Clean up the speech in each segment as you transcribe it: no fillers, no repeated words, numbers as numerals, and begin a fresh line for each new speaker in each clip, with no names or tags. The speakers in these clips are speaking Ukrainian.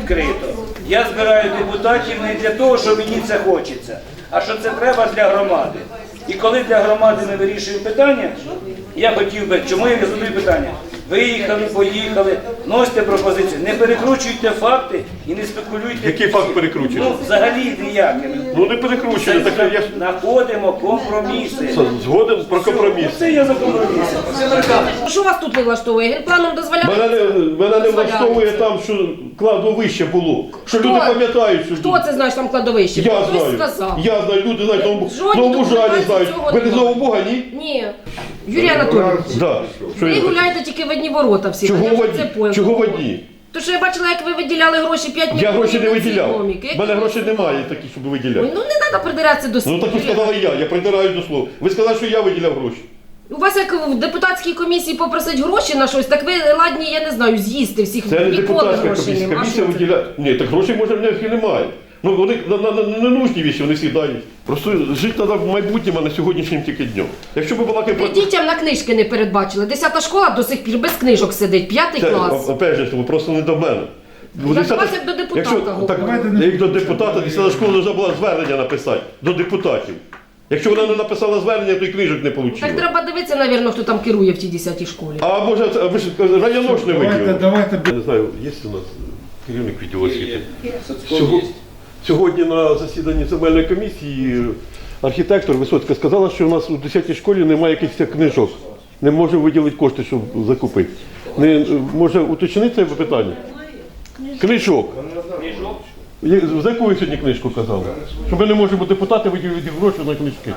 відкрито. Я збираю депутатів не для того, що мені це хочеться, а що це треба для громади. І коли для громади ми вирішуємо питання, я хотів би, чому я задаю питання? Виїхали, поїхали, носите пропозиції, не перекручуйте факти і не спекулюйте.
Який факт перекручує?
Ну, взагалі ніякими.
Ну не перекручує, так я ж
Знаходимо компроміси.
згоден про компроміс.
Це я за компроміси.
Що вас тут не влаштовує? Генпланом дозволяє?
Мене не влаштовує там, що кладовище було. Що люди пам'ятають, що
Хто це знає, що там кладовище?
я
Хтось
знаю.
сказав.
Я знаю, люди знають,
Жодні
Новомужані знають.
цього
Ви не з
немає.
Нового, ні?
Ні. Юрій Анатолійович,
Да. Що
ви
я-
гуляєте тільки в одні ворота всі.
Чого
Я вже
в
це
одні?
поняла.
Чого в одні?
То що я бачила, як ви виділяли гроші 5 мільйонів.
Я гроші не
на
виділяв.
економіки.
У мене грошей немає такі, щоб
Ой,
виділяти.
ну не треба придиратися до
Ну
слів.
так і сказала я придираюсь до слова. Ви сказали, що я виділяв гроші.
У вас як в депутатській комісії попросить гроші на щось, так ви ладні, я не знаю, з'їсти всіх.
Це не
Ніколи
депутатська
грошей
комісія.
нема.
Комісія
А що це?
виділяє. Ні, так грошей може в них і немає. Ну вони не нужні віші, вони всі дають. Просто жити треба в майбутньому, а не сьогоднішнім тільки днем. Якщо б була
Ви дітям на книжки не передбачили. 10-та школа до сих пір без книжок сидить, 5-й клас.
опять же, просто не до мене.
Я до вас як до депутата говорю.
Так, як до депутата, 10-та школа повинна була звернення написати до депутатів. Якщо вона не написала звернення, то й книжок не
Так
отримала.
треба дивитися, навірно, хто там керує в тій 10-й школі.
А може, ви ж районош не виділили?
Давайте.
Я не знаю, є у нас керівник відділу освіти?
Є.
Сьогодні на засіданні земельної комісії архітектор Висоцька сказала, що у нас у 10-й школі немає якихось книжок. Не може виділити кошти, щоб закупити. Не може уточнити це питання? Книжок. За яку ви сьогодні книжку казали? Що ми не можемо депутати виділити гроші на книжки.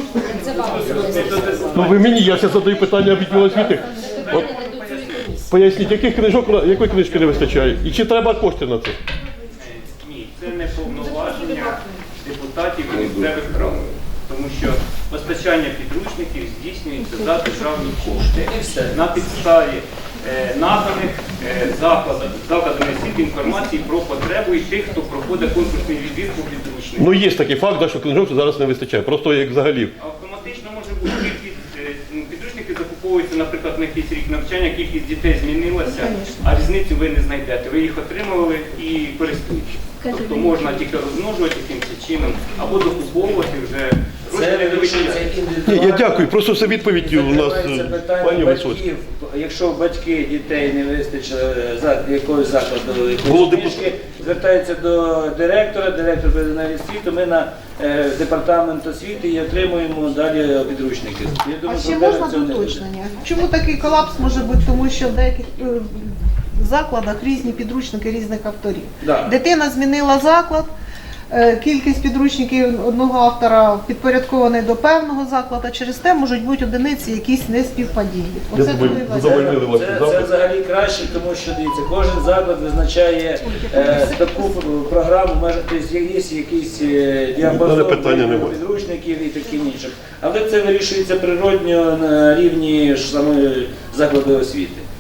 Ну ви мені, я зараз задаю питання відділу освіти. От, поясніть, яких книжок, якої книжки не вистачає? І чи треба кошти на це?
Ні, це не повноваження депутатів місцевих рад, тому що постачання підручників здійснюється за державні кошти на підставі наданих закладами освіти інформації про потребу і тих, хто проходить конкурсний відбір по підручнику.
Ну є такий факт, да, що книжок зараз не вистачає, просто як взагалі.
Автоматично може бути кількість підручники закуповуються, наприклад, на якийсь рік навчання, кількість дітей змінилася, а різницю ви не знайдете. Ви їх отримували і користуєтесь. Тобто можна тільки розмножувати якимось чином або докуповувати вже.
Це вирішується індивідуально.
Ні, я дякую, просто це відповідь у нас
Піднімається питання
пані Висоцька.
батьків. Якщо батьки дітей не вистачило якогось закладу,
Було
якоїсь книжки, звертаються до директора, директор передає освіту, ми на департамент освіти і отримуємо далі підручники. Я думаю,
А ще
проблеми
можна
в цьому не буде.
уточнення? Чому такий колапс може бути? Тому що в деяких закладах різні підручники різних авторів.
Да.
Дитина змінила заклад, кількість підручників одного автора підпорядкований до певного закладу, через те можуть бути одиниці якісь неспівпадіння.
Я
Оце
думаю,
коли вас-
задовольнили вас
Це
запит.
взагалі краще, тому що дивіться, кожен заклад визначає таку програму, тобто є якийсь
Мене
діапазон
питання немає.
підручників і таким іншим. Але це вирішується природньо на рівні ж самої закладу освіти.